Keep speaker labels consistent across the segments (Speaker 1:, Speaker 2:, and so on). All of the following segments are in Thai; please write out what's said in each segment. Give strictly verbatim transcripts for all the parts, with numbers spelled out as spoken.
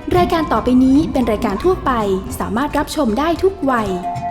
Speaker 1: รายการต่อไปนี้เป็นรายการทั่วไปสามารถรับชมได้ทุกวัย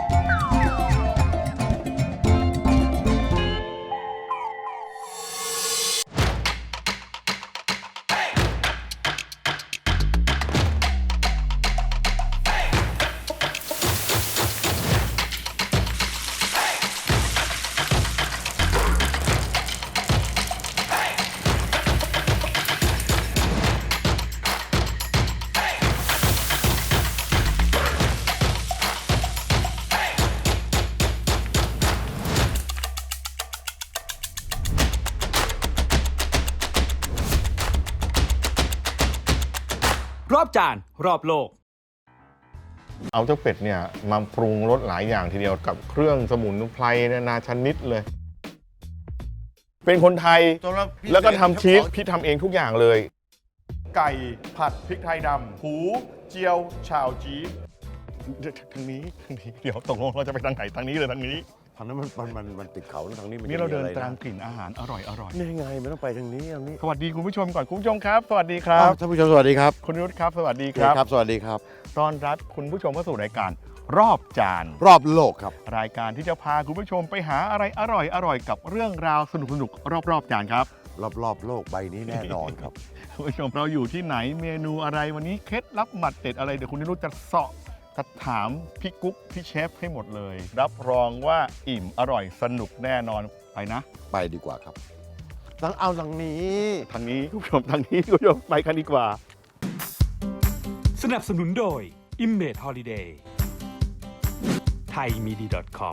Speaker 2: รอบจานรอบโลก
Speaker 3: เอาเจ้าเป็ดเนี่ยมาปรุงรสหลายอย่างทีเดียวกับเครื่องสมุนไพรนานาชนิดเลยเป็นคนไทยแล้วก็ทำชีสพี่ทำเองทุกอย่างเลยไก่ผัดพริกไทยดำหูเจียวชาวจีทางนี้ทางนี้เดี๋ยวตกลงเราจะไปทางไหนทางนี้หรือทางนี้
Speaker 4: ทางนั้นมันมันมันมันติดเขาทางนี้มัน
Speaker 3: นี่เราเดิน
Speaker 4: จะมีอะไร
Speaker 3: ตามกลิ่นอาหารอร่อยอร่อย
Speaker 4: นี่ไงมันต้องไปทางนี้ทางนี้
Speaker 3: สวัสดีคุณผู้ชมก่อนคุณผู้ชมครับสวัสดีครับ
Speaker 4: อ้าวท่านผู้ชมสวัสดีครับ
Speaker 3: คุณนุชครับสวัสดีครับ
Speaker 4: ครับ สวัสดีครับ
Speaker 3: ต้อนรับคุณผู้ชมเข้าสู่รายการรอบจาน
Speaker 4: รอบโลกครับ
Speaker 3: รายการที่จะพาคุณผู้ชมไปหาอะไรอร่อยอร่อยกับเรื่องราวสนุกสนุกรอบๆจานครับ
Speaker 4: รอบรอบโลกใบนี้แน่นอนครับ
Speaker 3: คุณผู้ชมเราอยู่ที่ไหนเมนูอะไรวันนี้เคล็ดลับหมัดเด็ดอะไรเดี๋ยวคุณนิรุตจะเสาะจะถามพี่กุ๊กพี่เชฟให้หมดเลย รับรองว่าอิ่มอร่อยสนุกแน่นอนไปนะ
Speaker 4: ไปดีกว่าครับต้องเอาทางนี้
Speaker 3: ทางนี้คุณผู้ชมทางนี้คุณผู้ชมไปกันดีกว่า
Speaker 2: สนับสนุนโดย Image Holiday ไทยมีดี .com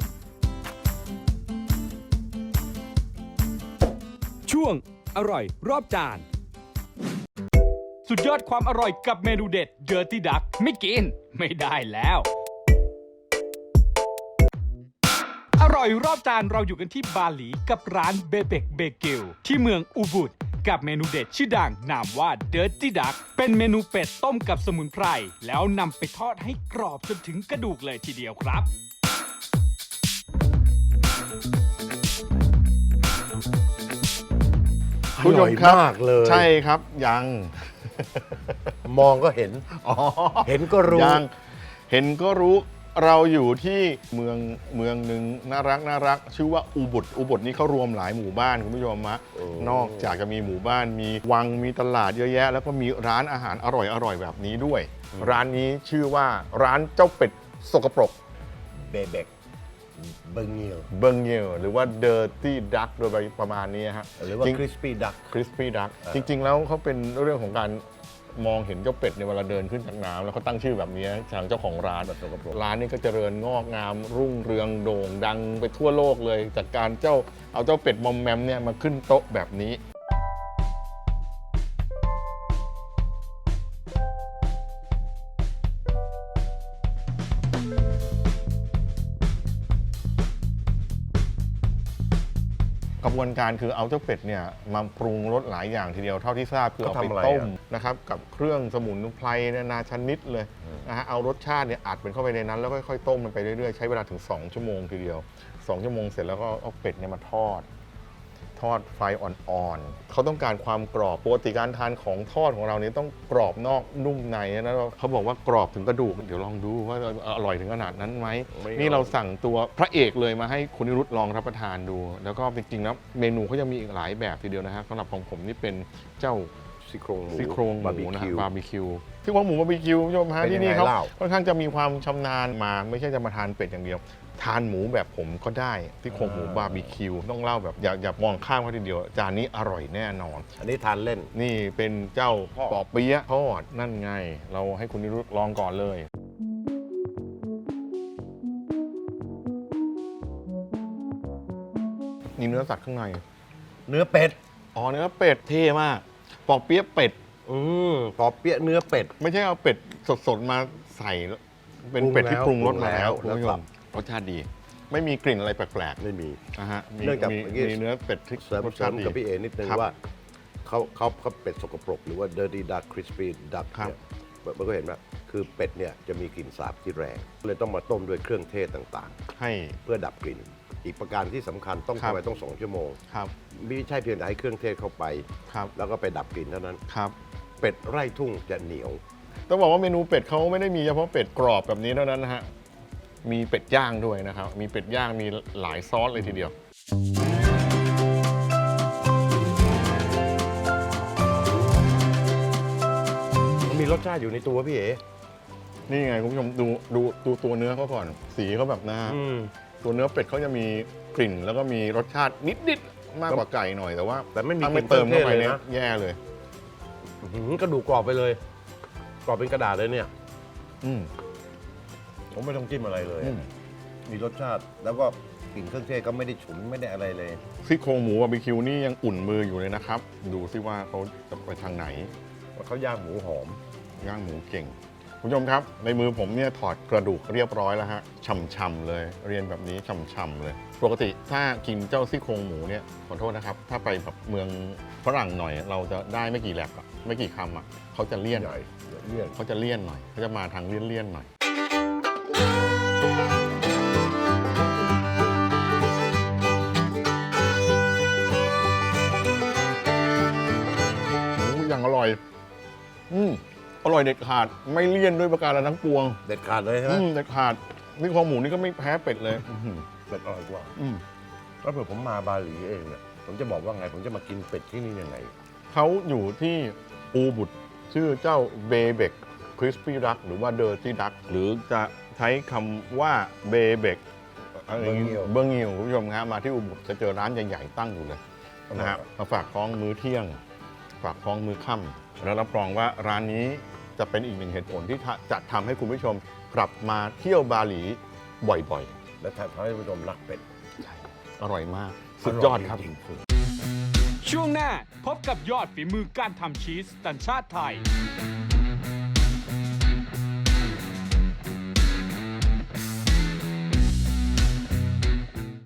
Speaker 2: ช่วงอร่อยรอบจานสุดยอดความอร่อยกับเมนูเด็ด Dirty Duck ไม่กินไม่ได้แล้ว อร่อยรอบจานเราอยู่กันที่บาหลีกับร้านเบเบกเบเกิลที่เมืองอูบุดกับเมนูเด็ดชื่อดังนามว่า Dirty Duck เป็นเมนูเป็ดต้มกับสมุนไพรแล้วนำไปทอดให้กรอบจนถึงกระดูกเลยทีเดียวครับ
Speaker 3: คุณผู้ชมครับ
Speaker 4: อร่อยมากเลย
Speaker 3: ใช่ครับยัง
Speaker 4: มองก็เห็น
Speaker 3: อ๋อ
Speaker 4: เห็นก็รู้
Speaker 3: ยังเห็นก็รู้เราอยู่ที่เมืองเมืองหนึ่งน่ารักน่ารักชื่อว่าอุบุตอุบุตนี่เขารวมหลายหมู่บ้านคุณผู้ชมฮะ
Speaker 4: โอ้
Speaker 3: นอกจากจะมีหมู่บ้านมีวังมีตลาดเยอะแยะ แล้วก็มีร้านอาหารอร่อยอร่อยแบบนี้ด้วย ร้านนี้ชื่อว่าร้านเจ้าเป็ดสกปรก
Speaker 4: เบเบกเบิงเงียว
Speaker 3: เบิงเยลหรือว่า Dirty Duck โดยประมาณนี้ฮะ
Speaker 4: หรือว่าคริสปี้ดัก
Speaker 3: คริสปี้ดักจริง ๆ แล้วเขาเป็นเรื่องของการมองเห็นเจ้าเป็ดในเวลาเดินขึ้นจากน้ำแล้วเขาตั้งชื่อแบบนี้ทางเจ้าของร้านแบบร้านนี้ก็เจริญงอกงามรุ่งเรืองโด่งดังไปทั่วโลกเลยจากการเจ้าเอาเจ้าเป็ดมอมแมมเนี่ยมาขึ้นโต๊ะแบบนี้กระบวนการคือเอาเจ้าเป็ดเนี่ยมาปรุงรสหลายอย่างทีเดียวเท่าที่ทราบคือเอาไปต้มนะครับกับเครื่องสมุนไพรนานาชนิดเลยนะฮะเอารสชาติเนี่ยอัดเป็นเข้าไปในนั้นแล้วค่อยๆต้มมันไปเรื่อยๆใช้เวลาถึงสองชั่วโมงทีเดียวสองชั่วโมงเสร็จแล้วก็เอาเป็ดเนี่ยมาทอดทอดไฟอ่อนๆเขาต้องการความกรอบปกติการทานของทอดของเราเนี่ยต้องกรอบนอกนุ่มในนะเขาบอกว่ากรอบถึงกระดูกเดี๋ยวลองดูว่าอร่อยถึงขนาดนั้นไหมนี่เราสั่งตัวพระเอกเลยมาให้คุณนิรุตลองรับประทานดูแล้วก็จริงๆแล้วเมนูเขายังมีอีกหลายแบบทีเดียวนะฮะสำหรับของผมนี่เป็นเจ้า
Speaker 4: ซี่โครงหมู
Speaker 3: ซี่โครงห
Speaker 4: บาร์บี
Speaker 3: มูนะ
Speaker 4: คิว
Speaker 3: บาร์บีคิวที่ว่าหมูบาร์บีคิวคุณผู้ชมฮะ
Speaker 4: เป็นยังไง
Speaker 3: ที่นี่เขา
Speaker 4: เล่า
Speaker 3: ค่อนข้างจะมีความชำนาญมาไม่ใช่จะมาทานเป็ดอย่างเดียว ทานหมูแบบผมก็ได้ที่โครงหมูบาร์บีคิวต้องเล่าแบบอย่าอย่ามองข้ามเขาทีเดียวจานนี้อร่อยแน่นอน
Speaker 4: อันนี้ทานเล่น
Speaker 3: นี่เป็นเจ้าปอเปี๊ยะทอดนั่นไง เราให้คุณนิรุตลองก่อนเลยนี่เนื้อสัตว์ข้างใน
Speaker 4: เนื้อเป็ด
Speaker 3: อ๋อเนื้อเป็ดเท่มากปอเปี๊ยะเป็ด
Speaker 4: อืมปอเปี๊ยะเนื้อเป็ด
Speaker 3: ไม่ใช่เอาเป็ดสดๆมาใส่เป็นเป็ดที่ปรุงรสมาแล้ว
Speaker 4: ปรุ
Speaker 3: คุณ
Speaker 4: งแล้ว
Speaker 3: ผู้ชมรสชาติดี ไม่มีกลิ่นอะไรแปลก
Speaker 4: ไม่มี
Speaker 3: ๆนะฮะมี
Speaker 4: เนื่องจาก
Speaker 3: มี
Speaker 4: เมื่อกี้
Speaker 3: มีเนื้อเป็ดที่
Speaker 4: เสริม
Speaker 3: รส
Speaker 4: เสริ
Speaker 3: ชาติ
Speaker 4: ม
Speaker 3: ดี
Speaker 4: กับพี่เอนิดนึง
Speaker 3: ครับ
Speaker 4: ว่าเขาเขาเขาเป็ดสกปรกหรือว่า dirty duck crispy duck
Speaker 3: ครับ
Speaker 4: เนี่ยมันก็เห็นว่าคือเป็ดเนี่ยจะมีกลิ่นสาบที่แรงเลยต้องมาต้มด้วยเครื่องเทศต่าง
Speaker 3: ให้
Speaker 4: ๆ เพื่อดับกลิ่น อีกประการที่สำคัญต้อง
Speaker 3: ครับ
Speaker 4: ทำไมต้องสองชั่วโมง
Speaker 3: ครับ
Speaker 4: ไม่ใช่เพียงแต่ให้เครื่องเทศเข้าไป
Speaker 3: ครับ
Speaker 4: แล้วก็ไปดับกลิ่นเท่านั้น
Speaker 3: ครับ
Speaker 4: เป็ดไร่ทุ่งจะเหนียว
Speaker 3: ต้องบอกว่าเมนูเป็ดเขาไม่ได้มีเฉพาะเป็ดกรอบแบบนี้เท่านั้นนะฮะมีเป็ดย่างด้วยนะครับมีเป็ดย่างมีหลายซอสเลยทีเดียว
Speaker 4: มันมีรสชาติอยู่ในตัวพี่เอ๋
Speaker 3: นี่ไงคุณผู้ชมดูดูดูตัวเนื้อเขาก่อนสีเขาแบบนะฮะ
Speaker 4: อืม
Speaker 3: ตัวเนื้อเป็ดเขาจะมีกลิ่น แล้วก็มีรสชาตินิดๆมากกว่าไก่หน่อยแต่ว่า
Speaker 4: แต่ไม่มี
Speaker 3: ถ้าก
Speaker 4: ลิ่
Speaker 3: ไม่
Speaker 4: น
Speaker 3: เติมเข้าไป
Speaker 4: เครื่องเทศเลย
Speaker 3: เนี่ย
Speaker 4: นะ
Speaker 3: แย่เลย
Speaker 4: อื้อหือกระดูกกรอบไปเลย กรอบเป็นกระดาษเลยเนี่ย
Speaker 3: อืม
Speaker 4: ผมไม่ต้องจิ้มอะไรเลย
Speaker 3: อืม
Speaker 4: มีรสชาติแล้วก็กลิ่นเครื่องเทศก็ไม่ได้ฉุนไม่ได้อะไรเลย
Speaker 3: ซี่โครงหมูบาร์บีคิวนี่ยังอุ่นมืออยู่เลยนะครับ ดูซิว่าเขาจะไปทางไหน
Speaker 4: ว่าเขาย่างหมูหอม
Speaker 3: ย่างหมูเก่งคุณผู้ชมครับ ในมือผมเนี่ยถอดกระดูกเรียบร้อยแล้วฮะช่ำๆเลย เรียนแบบนี้ช่ำๆเลย ปกติถ้ากินเจ้าซี่โครงหมูเนี่ยขอโทษนะครับ ถ้าไปแบบเมืองฝรั่งหน่อย เราจะได้ไม่กี่แลบอะไม่กี่คำอะเขาจะเลี่ยน
Speaker 4: ใหญ่เลี่ยน
Speaker 3: เขาจะเลี่ยนหน่อยเขาจะมาทางเลี่ยนๆหน่อยหมูอย่างอร่อย อืมอร่อยเด็ดขาดไม่เลี่ยนด้วยประการทั้งปวง
Speaker 4: เด็ดขาดเลยใช่ไหม
Speaker 3: อืมเด็ดขาดนี่คอหมูนี่ก็ไม่แพ้เป็ดเลยอื้อหือ
Speaker 4: เป็ดอร่อยกว่า
Speaker 3: อืม
Speaker 4: แล้วเผื่อผมมาบาหลีเองเนี่ยผมจะบอกว่าไงผมจะมากินเป็ดที่นี่ยังไง
Speaker 3: เขาอยู่ที่อูบุตชื่อเจ้าเบเบกคริสปี้ดักหรือว่าเดอร์ตี้ดักหรือจะใช้คำว่าเบเบก
Speaker 4: เบอร์งิว
Speaker 3: เบอร์งิวคุณผู้ชมครับมาที่อูบุตจะเจอร้านใหญ่ๆตั้งอยู่เลยนะฮะมาฝากท้องมื้อเที่ยง ฝากท้องมื้อค่ำแล้วรับรองว่าร้านนี้จะเป็นอีกหนึ่งเหตุผลที่จะทำให้คุณผู้ชมกลับมาเที่ยวบาหลีบ่อย
Speaker 4: และทำให้ผู้ชมรักเป็ด
Speaker 3: ๆ อร่อยมาก สุดยอดครับ
Speaker 4: จริงๆ
Speaker 2: ช่วงหน้าพบกับยอดฝีมือการทำชีสสัญชาติไทย